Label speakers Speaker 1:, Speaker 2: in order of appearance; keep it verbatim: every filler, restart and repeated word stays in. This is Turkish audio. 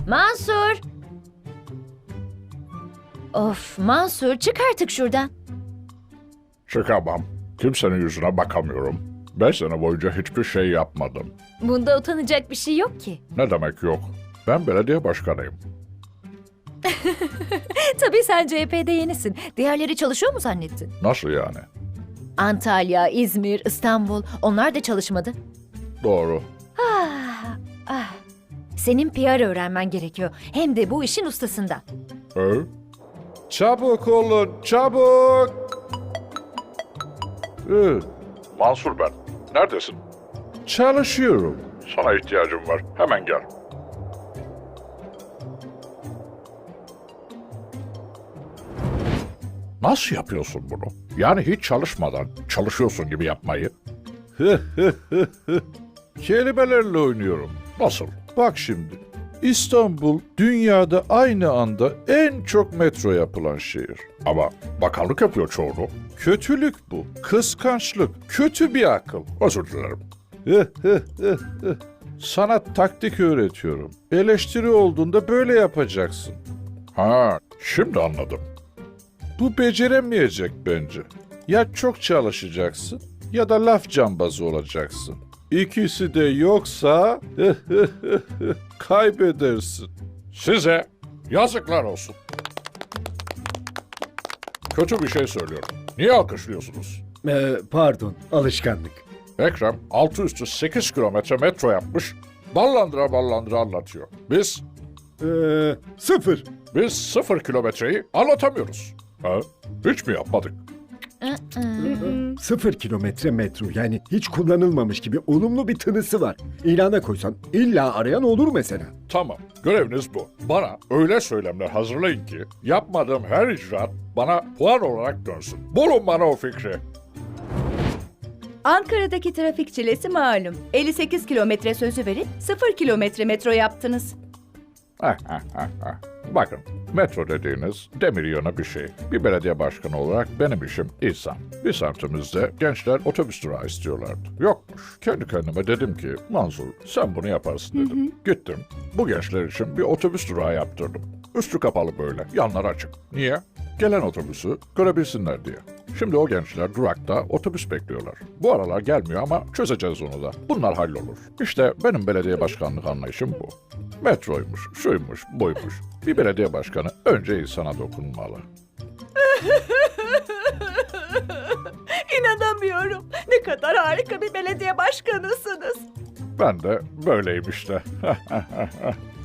Speaker 1: Mansur! Of Mansur, çık artık şuradan.
Speaker 2: Çıkamam. Kimsenin yüzüne bakamıyorum. Beş sene boyunca hiçbir şey yapmadım.
Speaker 1: Bunda utanacak bir şey yok ki.
Speaker 2: Ne demek yok? Ben belediye başkanıyım.
Speaker 1: Tabii sen C H P'de yenisin. Diğerleri çalışıyor mu zannettin?
Speaker 2: Nasıl yani?
Speaker 1: Antalya, İzmir, İstanbul, onlar da çalışmadı.
Speaker 2: Doğru.
Speaker 1: Ah, ah. Senin P R öğrenmen gerekiyor. Hem de bu işin ustasından.
Speaker 2: He? Çabuk olun, çabuk! Ee, Mansur ben. Neredesin? Çalışıyorum. Sana ihtiyacım var. Hemen gel. Nasıl yapıyorsun bunu? Yani hiç çalışmadan çalışıyorsun gibi yapmayı. Kelimelerle oynuyorum. Nasıl? Bak şimdi. İstanbul dünyada aynı anda en çok metro yapılan şehir. Ama bakanlık yapıyor çoğunu. Kötülük bu. Kıskançlık. Kötü bir akıl. Özür dilerim. Sana taktik öğretiyorum. Eleştiri olduğunda böyle yapacaksın. Ha, şimdi anladım. Bu beceremeyecek bence. Ya çok çalışacaksın ya da laf cambazı olacaksın. İkisi de yoksa kaybedersin. Size yazıklar olsun. Kötü bir şey söylüyorum. Niye alkışlıyorsunuz?
Speaker 3: Ee, pardon, alışkanlık.
Speaker 2: Ekrem altı üstü sekiz kilometre metro yapmış. Ballandıra ballandıra anlatıyor. Biz,
Speaker 3: Ee, sıfır.
Speaker 2: biz sıfır kilometreyi anlatamıyoruz. Ha? Hiç mi yapmadık?
Speaker 3: Sıfır kilometre metro, yani hiç kullanılmamış gibi olumlu bir tınısı var. İlana koysan illa arayan olur mesela.
Speaker 2: Tamam, göreviniz bu. Bana öyle söylemler hazırlayın ki yapmadığım her icraat bana puan olarak dönsün. Bulun bana o fikri.
Speaker 4: Ankara'daki trafik çilesi malum. elli sekiz kilometre sözü verip sıfır kilometre metro yaptınız.
Speaker 2: Heh, heh, heh, heh. Bakın, metro dediğiniz demir yığını bir şey. Bir belediye başkanı olarak benim işim insan. Bir semtimizde gençler otobüs durağı istiyorlardı. Yokmuş. Kendi kendime dedim ki, Mansur sen bunu yaparsın dedim. Gittim, bu gençler için bir otobüs durağı yaptırdım. Üstü kapalı böyle, yanları açık. Niye? Gelen otobüsü görebilsinler diye. Şimdi o gençler durakta otobüs bekliyorlar. Bu aralar gelmiyor ama çözeceğiz onu da. Bunlar hallolur. İşte benim belediye başkanlık anlayışım bu. Metroymuş, şuymuş, buymuş. Bir belediye başkanı önce insana dokunmalı.
Speaker 4: İnanamıyorum. Ne kadar harika bir belediye başkanısınız.
Speaker 2: Ben de böyleyim işte.